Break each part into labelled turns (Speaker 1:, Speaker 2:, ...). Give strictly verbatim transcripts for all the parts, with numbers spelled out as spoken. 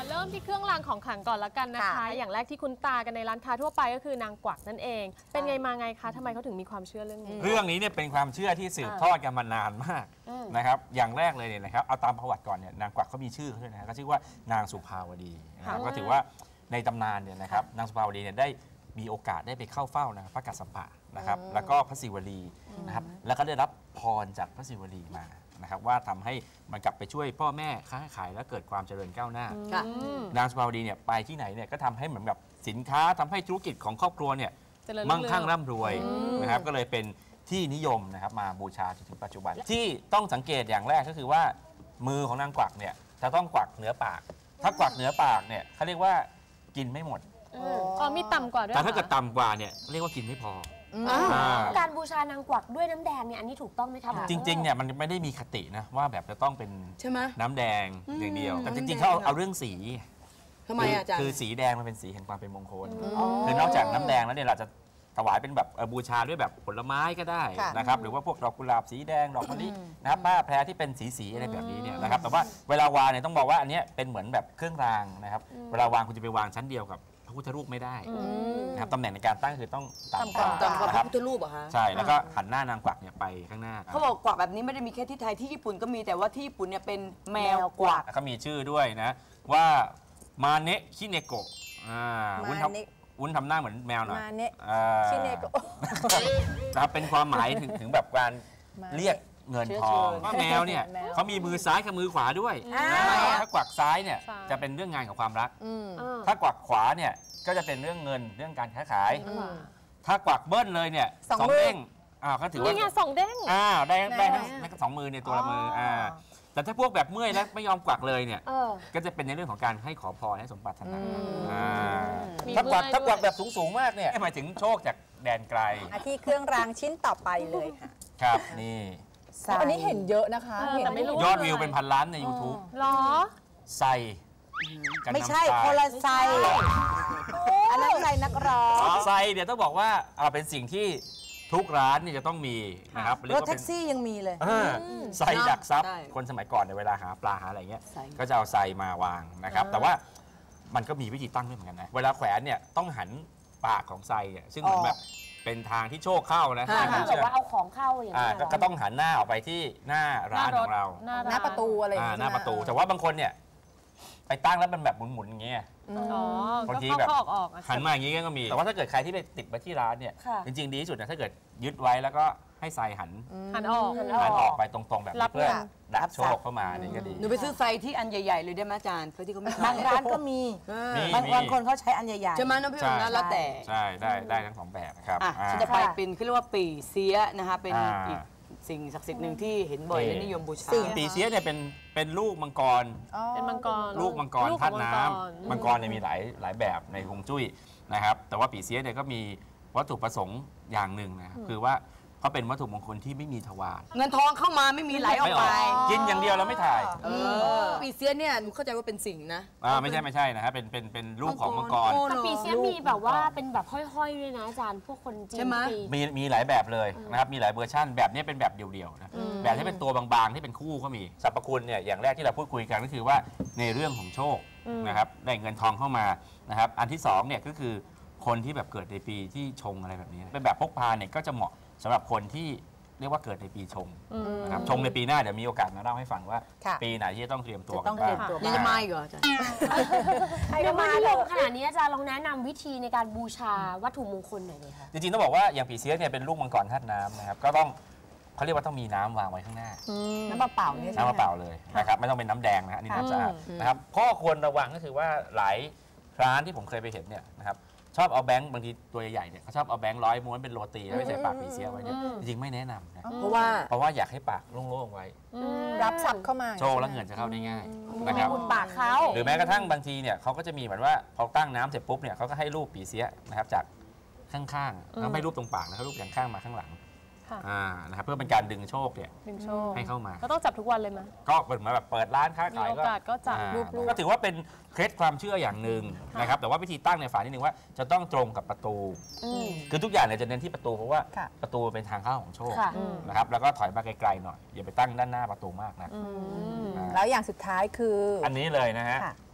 Speaker 1: เริ่มที่เครื่องรางของขลังก่อนละกันนะคะ อย่างแรกที่คุ้นตากันในร้านค้าทั่วไปก็คือนางกวักนั่นเองเป็นไงมาไงคะทำไมเขาถึงมีความเชื่อเรื่องนี้
Speaker 2: เรื่องนี้เนี่ยเป็นความเชื่อที่สืบทอดกันมานานมากนะครับอย่างแรกเลยเนี่ยนะครับเอาตามประวัติก่อนเนี่ยนางกวักเขามีชื่อเขาด้วยนะก็ชื่อว่านางสุภาวดีนะครับก็ถือว่าในตำนานเนี่ยนะครับนางสุภาวดีเนี่ยได้มีโอกาสได้ไปเข้าเฝ้านะพระกัสสปะนะครับแล้วก็พระศิวลีนะครับแล้วก็ได้รับพรจากพระศิวลีมานะครับว่าทำให้มันกลับไปช่วยพ่อแม่ค้าขายและเกิดความเจริญก้าวหน้านางสุภาวดีเนี่ยไปที่ไหนเนี่ยก็ทำให้เหมือนกับสินค้าทำให้ธุรกิจของครอบครัวเนี่ยมั่งคั่งร่ำรวยนะครับก็เลยเป็นที่นิยมนะครับมาบูชาจนถึงปัจจุบันที่ต้องสังเกตอย่างแรกก็คือว่ามือของนางกวักเนี่ยจะต้องกวักเหนือปากถ้ากวักเหนือปากเนี่ยเขาเรียกว่ากินไม่หมด
Speaker 1: อ๋อมีต่ำกว่าด้วย
Speaker 2: แต่ถ้าเกิดต่ำกว่าเนี่ยเรียกว่ากินไม่พอ
Speaker 3: การบูชานางกวักด้วยน้ำแดงเนี่ยอันนี้ถูกต้องไหมครับ
Speaker 2: จริงๆเนี่ยมันไม่ได้มีคตินะว่าแบบจะต้องเป็นน้ำแดงอย่างเดียวแต่จริงๆเขาเอาเรื่องสี
Speaker 4: ทำไมอาจารย์
Speaker 2: คือสีแดงมันเป็นสีแห่งความเป็นมงคลคือนอกจากน้ำแดงแล้วเนี่ยเราจะถวายเป็นแบบบูชาด้วยแบบผลไม้ก็ได้นะครับหรือว่าพวกดอกกุหลาบสีแดงดอกมะลินะครับผ้าแพรที่เป็นสีสีอะไรแบบนี้เนี่ยนะครับแต่ว่าเวลาวางเนี่ยต้องบอกว่าอันนี้เป็นเหมือนแบบเครื่องรางนะครับเวลาวางคุณจะไปวางชั้นเดียวกับพระพุทธรูปไม่ได้นะครับตำแหน่งในการตั้งคือต้องต่ำกว่า
Speaker 4: ต่ำกว่าพระพุทธรูปเหรอคะ
Speaker 2: ใช่แล้วก็หันหน้านางกวักเนี่ยไปข้างหน้า
Speaker 4: เขาบอกกวักแบบนี้ไม่ได้มีแค่ที่ไทยที่ญี่ปุ่นก็มีแต่ว่าที่ญี่ปุ่นเนี่ยเป็นแมวกวัก
Speaker 2: เขามีชื่อด้วยนะว่ามาเนะคิเนโกะวุ้นทำวุ้นทำหน้าเหมือนแมวหน่อย
Speaker 5: มาเนะคิเนโกะ
Speaker 2: นะครับเป็นความหมายถึงถึงแบบการเรียกเงินทองว่าแมวเนี่ยเขามีมือซ้ายกับมือขวาด้วยถ้ากวักซ้ายเนี่ยจะเป็นเรื่องงานของความรักถ้ากวักขวาเนี่ยก็จะเป็นเรื่องเงินเรื่องการค้าขายถ้ากวักเบิ้ลเลยเนี่ยสองเด้งอ่าเขาถือว่า
Speaker 1: นี่ไงสองเด้ง
Speaker 2: อ่าได้ได้ทั้งสองมือในตัวละมืออ่าแต่ถ้าพวกแบบเมื่อยแล้วไม่ยอมกวักเลยเนี่ยก็จะเป็นในเรื่องของการให้ขอพรให้สมปรารถนาถ้ากวักถ้ากวักแบบสูงๆมากเนี่ยหมายถึงโชคจากแดนไกล
Speaker 5: ที่เครื่องรางชิ้นต่อไปเลยค่ะ
Speaker 2: ครับนี่
Speaker 5: อันนี้เห็นเยอะนะคะ
Speaker 2: ยอดวิวเป็นพันล้านใน ยูทูบ
Speaker 1: หรอ
Speaker 2: ใส่
Speaker 5: ไม่ใช่คนละไซอันนั้นไซนักร้อง
Speaker 2: ไซเดี๋ยวต้องบอกว่าเป็นสิ่งที่ทุกร้านนี่จะต้องมีนะครับ
Speaker 5: รถแท็กซี่ยังมีเลย
Speaker 2: ไซดักซับคนสมัยก่อนในเวลาหาปลาหาอะไรเงี้ยก็จะเอาไซมาวางนะครับแต่ว่ามันก็มีวิธีตั้งด้วยเหมือนกันนะเวลาแขวนเนี่ยต้องหันปากของไซเนี่ยซึ่งเหมือนแบบเป็นทางที่โชคเข้านะ
Speaker 3: ถ้าแบบว่าเอาของเข้าอย่างนี้
Speaker 2: ก็ต้องหันหน้าออกไปที่หน้าร้านของเรา
Speaker 5: หน้าประตูอะไร
Speaker 2: หน้าประตูแต่ว่าบางคนเนี่ยไปตั้งแล้วมันแบบหมุนๆอย่างเงี้ยบางทีแบบหันมาอย่างงี้ก็มีแต่ว่าถ้าเกิดใครที่ไปติดมาที่ร้านเนี่ยจริงๆดีที่สุดนะถ้าเกิดยึดไว้แล้วก็ให้ไซหัน
Speaker 1: หันออก
Speaker 2: หันออกไปตรงๆแบบเพื่อรับโชคเข้ามานี่ก็ดี
Speaker 4: หนูไปซื้อไซที่อันใหญ่ๆเลยได้ไหมอาจารย์เพื่อที่เขาไม่
Speaker 5: บางร้านก็มีบางคนเขาใช้อันใหญ่ๆ
Speaker 4: ใช่ไหมน้องพี่หนุ่มนะแล้วแต่
Speaker 2: ใช่ได้ได้ทั้งสองแบบครับ
Speaker 4: ฉันจะไปเป็นเขาเรียกว่าปีเสียนะคะเป็นอีกสิ่งศักดิ์สิทธิ์หนึ่งที่เห็นบ่อยและนิยมบูชา
Speaker 2: ปีเสียเนี่ยเป็นเป็นลูกมังกร
Speaker 1: เป็นมังกร
Speaker 2: ลูกมังกรธาตุน้ำมังกรเนี่ยมีหลายหลายแบบในฮวงจุ้ยนะครับแต่ว่าปีเสียเนี่ยก็มีวัตถุประสงค์อย่างหนึ่งนะครับคือว่าเขาเป็นวัตถุมงคลที่ไม่มีทวาร
Speaker 4: เงินทองเข้ามาไม่มีไหลออกไป
Speaker 2: กินอย่างเดียวเราไม่ถ่าย
Speaker 4: ปีเสียเนี่ยหนูเข้าใจว่าเป็นสิ่งนะ
Speaker 2: อ่าไม่ใช่ไม่ใช่นะฮะเป็นเป็นเป็นลูกของมังกร
Speaker 3: แต่ปีเสียมีแบบว่าเป็นแบบห้อยๆด้วยนะอาจารย์พวกคนจีน
Speaker 4: ใช่ไหม
Speaker 2: มีมีหลายแบบเลยนะครับมีหลายเวอร์ชันแบบนี้เป็นแบบเดียวๆนะแบบที่เป็นตัวบางๆที่เป็นคู่ก็มีสรรพคุณเนี่ยอย่างแรกที่เราพูดคุยกันก็คือว่าในเรื่องของโชคนะครับได้เงินทองเข้ามานะครับอันที่สองเนี่ยก็คือคนที่แบบเกิดในปีที่ชงอะไรแบบนี้เป็นแบบพกพาเนี่ยก็จะเหมาะสำหรับคนที่เรียกว่าเกิดในปีชงนะครับชงในปีหน้าเดี๋ยวมีโอกาสมาเล่าให้ฟังว่าปีไหนที่จะต้องเตรียมตัวกันบ้าง
Speaker 4: ยังจะมาอีกเหรออาจารย์
Speaker 3: เดี๋ยวมาลงขนาดนี้อาจารย์ลองแนะนำวิธีในการบูชาวัตถุมงคลหน่อยเลยค่ะ
Speaker 2: จริงๆต้องบอกว่าอย่างปีเสียเนี่ยเป็นลูกมังกรธาตุน้ำนะครับก็ต้องเขาเรียกว่าต้องมีน้ำวางไว้ข้างหน้า
Speaker 5: น้ำเปล่าเนี่ย
Speaker 2: น้ำเปล่าเลยนะครับไม่ต้องเป็นน้ำแดงนะฮะนี่น้ำสะอาดนะครับข้อควรระวังก็คือว่าหลายร้านที่ผมเคยไปเห็นเนี่ยนะครับชอบเอาแบงค์บางทีตัวใหญ่ๆเนี่ยเขาชอบเอาแบงค์ร้อยม้วนเป็นโรตีแล้วไปใส่ปากปีเสียไว้เนี่ยจริงๆไม่แนะนำนะ
Speaker 4: เพราะว่า
Speaker 2: เพราะว่าอยากให้ปากโล่งๆไว้
Speaker 5: รับทรัพย์เข้ามา
Speaker 2: โชว์แล้วเงินจะเข้าได้ง่ายนะครับ
Speaker 3: บุญปากเขา
Speaker 2: หรือแม้กระทั่งบางทีเนี่ยเขาก็จะมีเหมือนว่าพอตั้งน้ำเสร็จปุ๊บเนี่ยเขาก็ให้รูปปีเสียนะครับจากข้างๆแล้วไม่รูปตรงปากนะครับรูปอย่างข้างมาข้างหลังอ่านะครับเพื่อเป็นการดึงโชคเนี่ยให้เข้ามา
Speaker 1: ก็ต้องจับทุกวันเลยไหม
Speaker 2: ก็เปิดมาแบบเปิดร้านค้าขาย
Speaker 1: ก็จับรูป
Speaker 2: ก็ถือว่าเป็นเคล็ดความเชื่ออย่างหนึ่งนะครับแต่ว่าวิธีตั้งในฝานิดนึงว่าจะต้องตรงกับประตูคือทุกอย่างเนี่ยจะเน้นที่ประตูเพราะว่าประตูเป็นทางเข้าของโชคนะครับแล้วก็ถอยมาไกลๆหน่อยอย่าไปตั้งด้านหน้าประตูมากนะ
Speaker 5: แล้วอย่างสุดท้ายคือ
Speaker 2: อันนี้เลยนะฮะ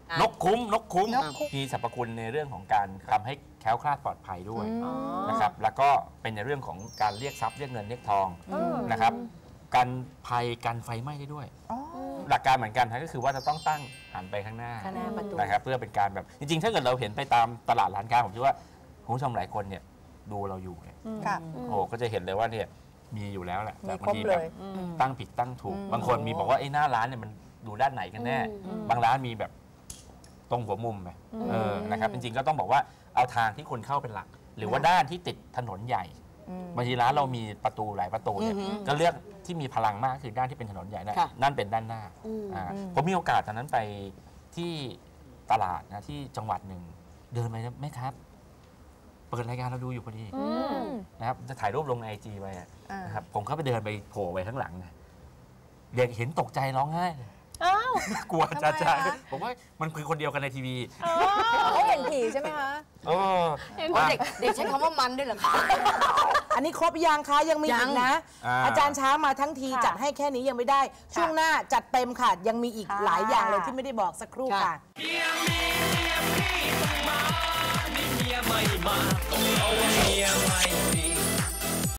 Speaker 2: นกคุ้มนกคุ้มมีสรรพคุณในเรื่องของการทำให้แคล้วคลาดปลอดภัยด้วยนะครับแล้วก็เป็นในเรื่องของการเรียกทรัพย์เรียกเงินเรียกทองนะครับกันภัยกันไฟไหม้ได้ด้วยหลักการเหมือนกันก็คือว่าจะต้องตั้งหันไปข้างหน้านะครับเพื่อเป็นการแบบจริงๆถ้าเกิดเราเห็นไปตามตลาดร้านค้าผมคิดว่าคุณผู้ชมหลายคนเนี่ยดูเราอยู่เนี่ยโอ้ก็จะเห็นเลยว่าเนี่ยมีอยู่แล้วแหละแต่บางทีแบบตั้งผิดตั้งถูกบางคนมีบอกว่าไอ้หน้าร้านเนี่ยมันดูด้านไหนกันแน่บางร้านมีแบบตรงหัวมุมไปเออนะครับจริงๆก็ต้องบอกว่าเอาทางที่คนเข้าเป็นหลัก หรือว่าด้านที่ติดถนนใหญ่บางทีร้านเรามีประตูหลายประตูเนี่ยก็เลือกที่มีพลังมากคือด้านที่เป็นถนนใหญ่นั่นเป็นด้านหน้าผมมีโอกาสตอนนั้นไปที่ตลาดนะที่จังหวัดหนึ่งเดินไปนะแม่ครับเปิดรายการเราดูอยู่พอดีนะครับจะถ่ายรูปลงในไอจีไปนะครับผมเข้าไปเดินไปโผล่ไปข้างหลังนะเด็กเห็นตกใจร้องไห้กลัวจ้าจ้าผมว่ามันคือคนเดียวกันในทีวี
Speaker 5: เขาเห็นผีใช่ไหมคะ
Speaker 2: เออ
Speaker 4: เด็กเด็กใช้คำว่ามันด้วยเหรอคะ
Speaker 5: อันนี้ครบยังคะยังมีอีกนะ อาจารย์ช้ามาทั้งทีจัดให้แค่นี้ยังไม่ได้ช่วงหน้าจัดเต็มค่ะยังมีอีกหลายอย่างเลยที่ไม่ได้บอกสักครู่ค่ะเมียมีเมียพี่ต้องมานี่เมียไม่มาต้องเอาเมียไม่มี